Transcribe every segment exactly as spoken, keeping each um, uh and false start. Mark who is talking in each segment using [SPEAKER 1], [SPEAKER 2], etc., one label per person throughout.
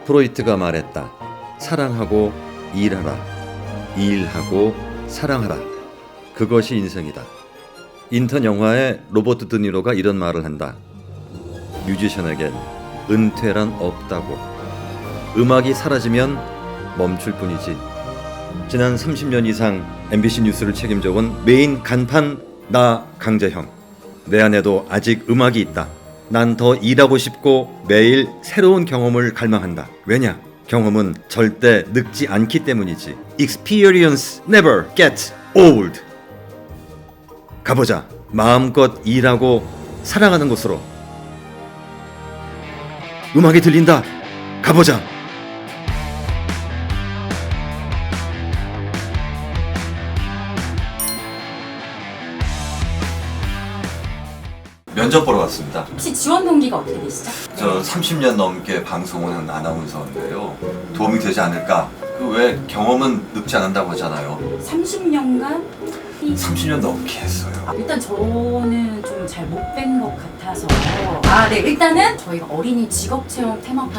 [SPEAKER 1] 프로이트가 말했다. 사랑하고 일하라. 일하고 사랑하라. 그것이 인생이다. 인턴 영화에 로버트 드니로가 이런 말을 한다. 뮤지션에겐 은퇴란 없다고. 음악이 사라지면 멈출 뿐이지. 지난 삼십 년 이상 엠비씨 뉴스를 책임져온 메인 간판 나 강재형. 내 안에도 아직 음악이 있다. 난 더 일하고 싶고 매일 새로운 경험을 갈망한다. 왜냐? 경험은 절대 늙지 않기 때문이지. Experience never gets old. 가보자. 마음껏 일하고 사랑하는 곳으로. 음악이 들린다. 가보자. 면접 보러 왔습니다.
[SPEAKER 2] 혹시 지원 동기가 어떻게 되시죠?
[SPEAKER 1] 저 삼십 년 넘게 방송을 한 아나운서인데요. 도움이 되지 않을까? 그 왜 경험은 늙지 않는다고 하잖아요.
[SPEAKER 2] 삼십 년간?
[SPEAKER 1] 삼십 년 넘게 했어요.
[SPEAKER 2] 일단 저는 좀 잘 못 뵌 것 같아서 아, 네. 일단은 저희가 어린이 직업체험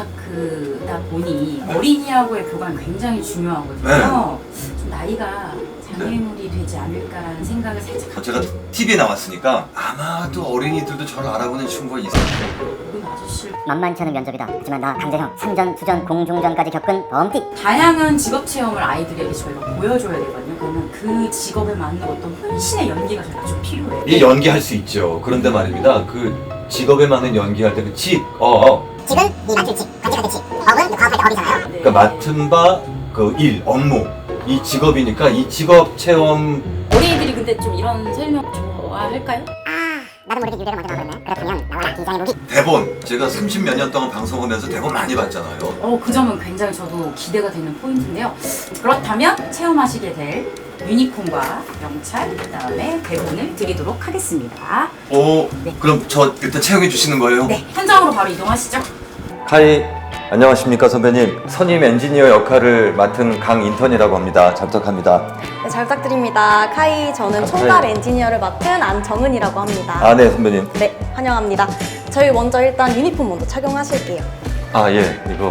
[SPEAKER 2] 테마파크다 보니 어린이하고의 교감이 굉장히 중요하거든요.
[SPEAKER 1] 네.
[SPEAKER 2] 좀 나이가 장애물이 되지 않을까라는 생각을 살짝
[SPEAKER 1] 제가 티비에 나왔으니까 아마도 어린이들도 저를 알아보는 친구가 있어요.
[SPEAKER 2] 그 아저씨
[SPEAKER 3] 만만치 않은 면접이다. 하지만 나 강재형 삼전, 수전, 공중전까지 겪은 범띠.
[SPEAKER 2] 다양한 직업 체험을 아이들에게 저희가 보여줘야 되거든요. 그러면 그 직업에 맞는 어떤 혼신의 연기가 저희가 좀 필요해요.
[SPEAKER 1] 이 연기할 수 있죠. 그런데 말입니다. 그 직업에 맞는 연기할 때 그 직, 어, 어.
[SPEAKER 3] 직은 네 맡을 직, 관직할 직. 업은 그 과학할 때 업이잖아요.
[SPEAKER 2] 네.
[SPEAKER 1] 그러니까 맡은 바, 그 일, 업무. 이 직업이니까 이 직업 체험.
[SPEAKER 2] 어린이들이 근데 좀 이런 설명 좋아할까요?
[SPEAKER 3] 아, 나도 모르게 유래를 먼저 나왔네. 그렇다면 나와라 기장의 무기.
[SPEAKER 1] 대본. 제가 삼십 몇 년 동안 방송하면서 대본 많이 봤잖아요.
[SPEAKER 2] 어, 그 점은 굉장히 저도 기대가 되는 포인트인데요. 그렇다면 체험하시게 될 유니콘과 명찰, 그 다음에 대본을 드리도록 하겠습니다.
[SPEAKER 1] 오,
[SPEAKER 2] 네.
[SPEAKER 1] 그럼 저 일단 채용해 주시는 거예요?
[SPEAKER 2] 네, 현장으로 바로 이동하시죠.
[SPEAKER 1] 하이, 안녕하십니까 선배님. 선임 엔지니어 역할을 맡은 강인턴이라고 합니다. 잘 부탁합니다.
[SPEAKER 4] 네, 잘 부탁드립니다. 카이, 저는 총괄 엔지니어를 맡은 안정은이라고 합니다.
[SPEAKER 1] 아, 네 선배님.
[SPEAKER 4] 네, 환영합니다. 저희 먼저 일단 유니폼 먼저 착용하실게요.
[SPEAKER 1] 아, 예, 이거.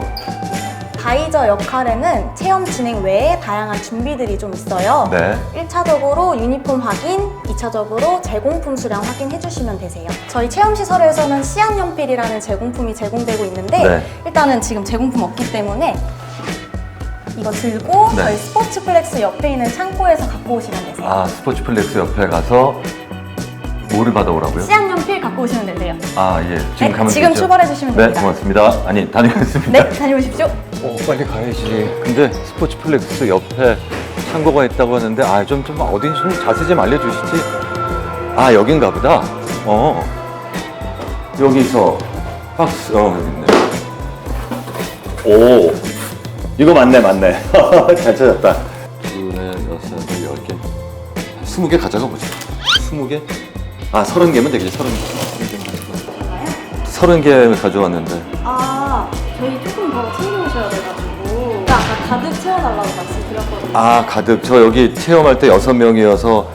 [SPEAKER 4] 바이저 역할에는 체험 진행 외에 다양한 준비들이 좀 있어요.
[SPEAKER 1] 네.
[SPEAKER 4] 일 차적으로 유니폼 확인, 이 차적으로 제공품 수량 확인해 주시면 되세요. 저희 체험시설에서는 시안연필이라는 제공품이 제공되고 있는데
[SPEAKER 1] 네.
[SPEAKER 4] 일단은 지금 제공품 없기 때문에 이거 들고
[SPEAKER 1] 네.
[SPEAKER 4] 저희 스포츠플렉스 옆에 있는 창고에서 갖고 오시면 되세요.
[SPEAKER 1] 아, 스포츠플렉스 옆에 가서 뭐를 받아오라고요?
[SPEAKER 4] 시안연필 갖고 오시면 되세요.
[SPEAKER 1] 아, 예. 지금
[SPEAKER 4] 네,
[SPEAKER 1] 가면
[SPEAKER 4] 지금
[SPEAKER 1] 되죠?
[SPEAKER 4] 출발해 주시면
[SPEAKER 1] 네,
[SPEAKER 4] 됩니다.
[SPEAKER 1] 고맙습니다. 아니, 다녀오겠습니다.
[SPEAKER 4] 네, 다녀오십시오.
[SPEAKER 1] 어, 빨리 가야지. 근데 스포츠플렉스 옆에 창고가 있다고 하는데, 아, 좀, 좀 어딘지 좀 자세히 좀 알려주시지. 아, 여긴가 보다. 어. 여기서 박스, 어, 여기 있네. 오. 이거 맞네, 맞네. 잘 찾았다. 둘에 여섯, 열 개. 스무 개 가져가 보자. 스무 개? 아, 서른 개면 되겠지, 서른 개. 서른 개 가져왔는데.
[SPEAKER 4] 아, 저희 조금 더 챙겨오셔야 돼가지고 아까 가득 채워달라고 말씀드렸거든요.
[SPEAKER 1] 아, 가득. 저 여기 체험할 때 여섯 명이어서.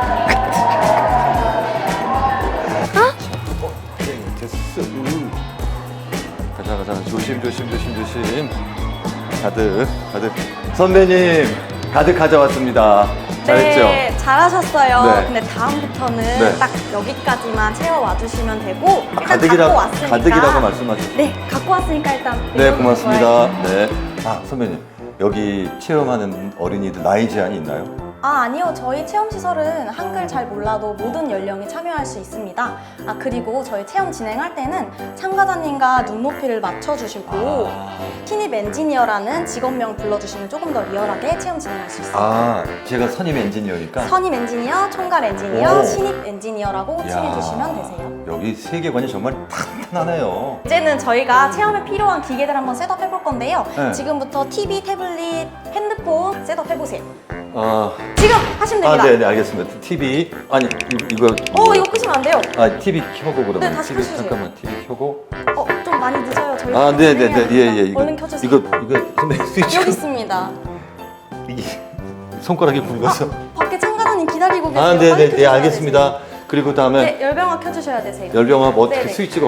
[SPEAKER 1] 됐어. 음. 가자, 가자. 조심, 조심, 조심, 조심. 가득, 가득. 선배님, 가득 가져왔습니다. 잘했죠?
[SPEAKER 4] 네, 잘하셨어요.
[SPEAKER 1] 네.
[SPEAKER 4] 근데 다음부터는
[SPEAKER 1] 네.
[SPEAKER 4] 딱 여기까지만 채워와 주시면 되고 일단
[SPEAKER 1] 가득이라,
[SPEAKER 4] 갖고 왔으니까
[SPEAKER 1] 가득이라고 말씀하셨죠?
[SPEAKER 4] 네, 갖고 왔으니까 일단
[SPEAKER 1] 네,
[SPEAKER 4] 내려놓고
[SPEAKER 1] 고맙습니다.
[SPEAKER 4] 와야죠.
[SPEAKER 1] 네. 아, 선배님. 여기 체험하는 어린이들 나이 제한이 있나요?
[SPEAKER 4] 아, 아니요. 저희 체험시설은 한글 잘 몰라도 모든 연령이 참여할 수 있습니다. 아, 그리고 저희 체험 진행할 때는 참가자님과 눈높이를 맞춰주시고
[SPEAKER 1] 아.
[SPEAKER 4] 신입 엔지니어라는 직업명 불러주시면 조금 더 리얼하게 체험 진행할 수 있습니다.
[SPEAKER 1] 아, 제가 선임 엔지니어니까.
[SPEAKER 4] 선임 엔지니어, 총괄 엔지니어,
[SPEAKER 1] 오.
[SPEAKER 4] 신입 엔지니어라고 칭해주시면 되세요.
[SPEAKER 1] 여기 세계관이 정말 탄탄하네요.
[SPEAKER 4] 이제는 저희가 체험에 필요한 기계들 한번 셋업 해볼 건데요.
[SPEAKER 1] 네.
[SPEAKER 4] 지금부터 티비, 태블릿, 핸드폰 셋업 해보세요.
[SPEAKER 1] 아,
[SPEAKER 4] 지금 하시면
[SPEAKER 1] 아,
[SPEAKER 4] 됩니다.
[SPEAKER 1] 네, 네, 알겠습니다. 티비 아니 이- 이거
[SPEAKER 4] 어, 이거 끄시면 안 돼요.
[SPEAKER 1] 아, 티비 켜고 그러면
[SPEAKER 4] 네, 다시
[SPEAKER 1] 티비
[SPEAKER 4] 켜주세요.
[SPEAKER 1] 잠깐만 티비 켜고.
[SPEAKER 4] 어, 좀 많이 늦어요. 저희
[SPEAKER 1] 아, 네, 네, 네, 예, 예, 이거
[SPEAKER 4] 얼른 켜주세요.
[SPEAKER 1] 이거 이거 선배 스위치
[SPEAKER 4] 여기 있습니다.
[SPEAKER 1] 이게 손가락이 굵어서.
[SPEAKER 4] 밖에 참가자님 기다리고 계세요.
[SPEAKER 1] 아, 네,
[SPEAKER 4] 빨리
[SPEAKER 1] 네, 네,
[SPEAKER 4] 켜주셔야
[SPEAKER 1] 알겠습니다. 그리고 다음에
[SPEAKER 4] 되세요. 네, 열병화 켜주셔야 되세요.
[SPEAKER 1] 열병합 어떻게
[SPEAKER 4] 네네.
[SPEAKER 1] 스위치가 어디?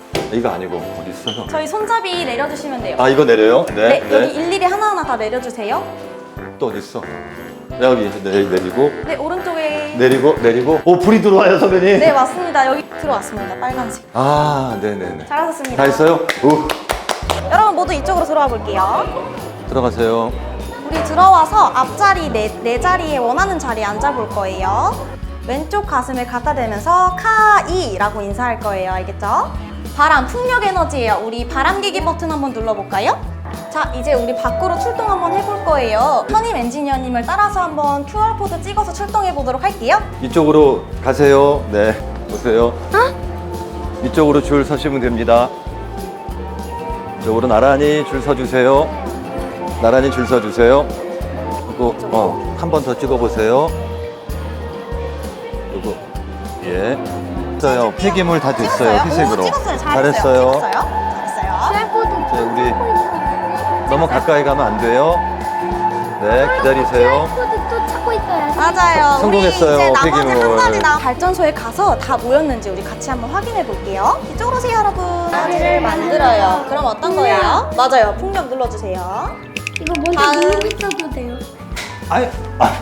[SPEAKER 1] 이거 아니고 어디 있어요?
[SPEAKER 4] 저희 손잡이 내려주시면 돼요.
[SPEAKER 1] 아 이거 내려요?
[SPEAKER 4] 네, 여기 일일이 하나하나 다 내려주세요.
[SPEAKER 1] 또 어디 있어? 여기 내, 내리고
[SPEAKER 4] 네, 오른쪽에.
[SPEAKER 1] 내리고 내리고. 오 불이 들어와요 선배님.
[SPEAKER 4] 네, 맞습니다. 여기 들어왔습니다. 빨간색.
[SPEAKER 1] 아 네네네.
[SPEAKER 4] 잘하셨습니다.
[SPEAKER 1] 다 했어요? 오
[SPEAKER 4] 여러분 모두 이쪽으로 들어와 볼게요.
[SPEAKER 1] 들어가세요.
[SPEAKER 4] 우리 들어와서 앞자리 네, 네 자리에 원하는 자리에 앉아볼 거예요. 왼쪽 가슴을 갖다 대면서 카이라고 인사할 거예요. 알겠죠? 바람, 풍력 에너지예요. 우리 바람기기 버튼 한번 눌러볼까요? 자, 이제 우리 밖으로 출동 한번 해볼 거예요. 선임 엔지니어님을 따라서 한번 큐알코드 찍어서 출동해 보도록 할게요.
[SPEAKER 1] 이쪽으로 가세요. 네 보세요. 이쪽으로 줄 서시면 됩니다. 이쪽으로 나란히 줄 서주세요. 나란히 줄 서주세요. 그리고 어, 한 번 더 찍어보세요. 요거 예. 됐어요. 폐기물 다 됐어요.
[SPEAKER 4] 찍었어요?
[SPEAKER 1] 회색으로.
[SPEAKER 4] 오, 찍었어요. 잘했어요.
[SPEAKER 1] 잘했어요.
[SPEAKER 4] 찍었어요. 잘했어요.
[SPEAKER 1] 자, 우리 너무 가까이 가면 안 돼요. 네, 기다리세요.
[SPEAKER 5] 코드 또 찾고 있어요.
[SPEAKER 4] 맞아요.
[SPEAKER 1] 성공했어요,
[SPEAKER 4] 우리 이제 나머지
[SPEAKER 1] 폐기물.
[SPEAKER 4] 한 가지 남 발전소에 가서 다 모였는지 우리 같이 한번 확인해 볼게요. 이쪽으로 오세요, 여러분. 에너지를 만들어요. 그럼 어떤 거예요? 맞아요. 풍력 눌러주세요.
[SPEAKER 5] 이거 먼저
[SPEAKER 4] 다음.
[SPEAKER 5] 누르고 있어도 돼요.
[SPEAKER 1] 아이, 아,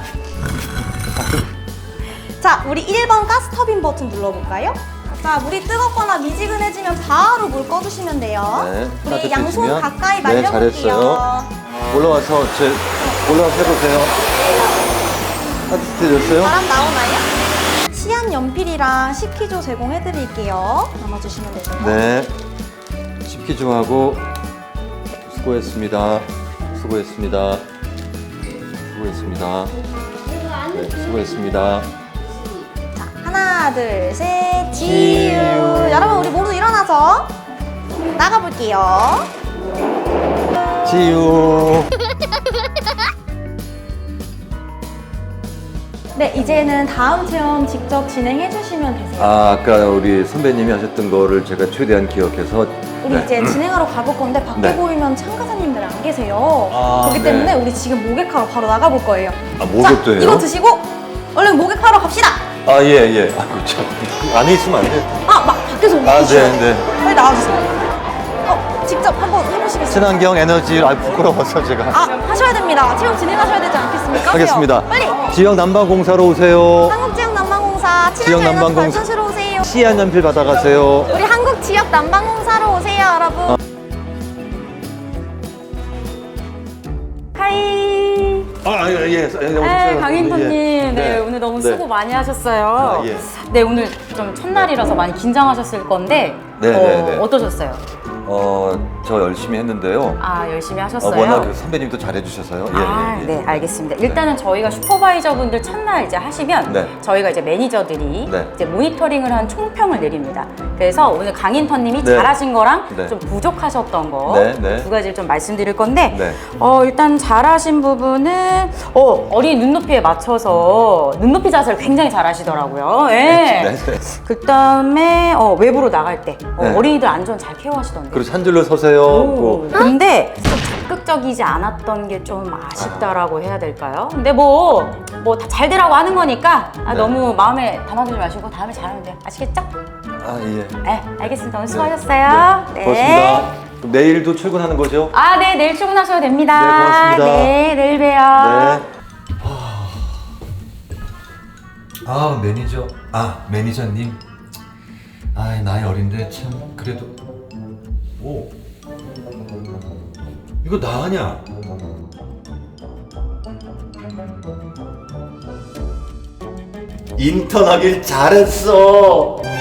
[SPEAKER 4] 자, 우리 일 번 가스 터빈 버튼 눌러볼까요? 자, 물이 뜨겁거나 미지근해지면 바로 물 꺼주시면 돼요.
[SPEAKER 1] 네,
[SPEAKER 4] 우리 양손
[SPEAKER 1] 따뜻해지면.
[SPEAKER 4] 가까이
[SPEAKER 1] 네,
[SPEAKER 4] 말려볼게요.
[SPEAKER 1] 잘했어요. 올라와서 제 올라와서 해보세요. 따뜻해졌어요?
[SPEAKER 4] 바람 나오나요? 시안 연필이랑 식기조 제공해드릴게요. 남아주시면 되세요.
[SPEAKER 1] 네. 식기 좀 하고 수고했습니다. 수고했습니다. 수고했습니다. 네, 수고했습니다.
[SPEAKER 4] 자, 하나, 둘, 셋, 지유.
[SPEAKER 1] 지유.
[SPEAKER 4] 여러분, 우리 모두 일어나서 나가볼게요.
[SPEAKER 1] 지유.
[SPEAKER 4] 네, 이제는 다음 체험 직접 진행해 주시면 되세요.
[SPEAKER 1] 아, 아까 우리 선배님이 하셨던 거를 제가 최대한 기억해서
[SPEAKER 4] 우리
[SPEAKER 1] 네.
[SPEAKER 4] 이제 진행하러 가볼 건데 밖에
[SPEAKER 1] 네.
[SPEAKER 4] 보이면 참가자님들 안 계세요.
[SPEAKER 1] 아,
[SPEAKER 4] 그렇기
[SPEAKER 1] 네.
[SPEAKER 4] 때문에 우리 지금 모객하러 바로 나가볼 거예요.
[SPEAKER 1] 아, 목욕도
[SPEAKER 4] 자,
[SPEAKER 1] 해요?
[SPEAKER 4] 이거 드시고 얼른 모객하러 갑시다.
[SPEAKER 1] 아, 예, 예. 아, 그렇죠. 안에 있으면 안 돼요.
[SPEAKER 4] 아, 막 밖에서
[SPEAKER 1] 아,
[SPEAKER 4] 움직이셔야
[SPEAKER 1] 네,
[SPEAKER 4] 돼요.
[SPEAKER 1] 네.
[SPEAKER 4] 빨리 나와주세요. 어, 직접 한번 해보시겠어요?
[SPEAKER 1] 친환경 에너지, 아, 부끄러워서 제가.
[SPEAKER 4] 아, 하셔야 됩니다. 체험 진행하셔야 되지 않겠습니까?
[SPEAKER 1] 하겠습니다.
[SPEAKER 4] 빨리.
[SPEAKER 1] 지역 난방공사로 오세요.
[SPEAKER 4] 한국지역난방공사
[SPEAKER 1] 지역
[SPEAKER 4] 친환경 에너지
[SPEAKER 1] 난방공사.
[SPEAKER 4] 발전소로 오세요.
[SPEAKER 1] 시안 연필 받아가세요.
[SPEAKER 4] 우리 한국지역난방공사로 오세요, 여러분. 하이.
[SPEAKER 1] 아, 예, 예.
[SPEAKER 2] 네, 강인턴님, 네,
[SPEAKER 1] 네.
[SPEAKER 2] 오늘 너무
[SPEAKER 1] 네.
[SPEAKER 2] 수고 많이 하셨어요.
[SPEAKER 1] 아, 예.
[SPEAKER 2] 네, 오늘 좀 첫날이라서 많이 긴장하셨을 건데
[SPEAKER 1] 네,
[SPEAKER 2] 어,
[SPEAKER 1] 네, 네.
[SPEAKER 2] 어떠셨어요?
[SPEAKER 1] 어, 저 열심히 했는데요.
[SPEAKER 2] 아, 열심히
[SPEAKER 1] 어,
[SPEAKER 2] 하셨어요?
[SPEAKER 1] 워낙 그 선배님도 잘해주셔서요. 예,
[SPEAKER 2] 아,
[SPEAKER 1] 예, 예.
[SPEAKER 2] 네, 알겠습니다. 일단은 저희가 슈퍼바이저분들 첫날 이제 하시면
[SPEAKER 1] 네.
[SPEAKER 2] 저희가 이제 매니저들이
[SPEAKER 1] 네.
[SPEAKER 2] 이제 모니터링을 한 총평을 내립니다. 그래서 오늘 강인턴님이
[SPEAKER 1] 네.
[SPEAKER 2] 잘하신 거랑
[SPEAKER 1] 네.
[SPEAKER 2] 좀 부족하셨던 거
[SPEAKER 1] 네, 네.
[SPEAKER 2] 두 가지를 좀 말씀드릴 건데
[SPEAKER 1] 네.
[SPEAKER 2] 어, 일단 잘하신 부분은 어, 어린 눈높이에 맞춰서 눈높이 자세를 굉장히 잘하시더라고요. 예.
[SPEAKER 1] 네, 네.
[SPEAKER 2] 그다음에 어, 외부로 나갈 때 어,
[SPEAKER 1] 네.
[SPEAKER 2] 어린이들 안전 잘 케어하시던데.
[SPEAKER 1] 그리고 한 줄로 서세요.
[SPEAKER 2] 오,
[SPEAKER 1] 뭐.
[SPEAKER 2] 근데 좀 적극적이지 않았던 게 좀 아쉽다라고 해야 될까요? 근데 뭐 뭐 다 잘 되라고 하는 거니까 아,
[SPEAKER 1] 네.
[SPEAKER 2] 너무 마음에 담아두지 마시고 다음에 잘하면 돼요. 아시겠죠?
[SPEAKER 1] 아, 예.
[SPEAKER 2] 네, 알겠습니다. 오늘 수고하셨어요.
[SPEAKER 1] 네. 고맙습니다. 그럼 내일도 출근하는 거죠?
[SPEAKER 2] 아, 네, 내일 출근하셔도 됩니다.
[SPEAKER 1] 네, 고맙습니다.
[SPEAKER 2] 네, 내일 봬요.
[SPEAKER 1] 네. 아, 매니저. 아, 매니저님. 아, 나이 어린데 참 그래도. 오. 이거 나 아냐? 인턴 하길 잘했어.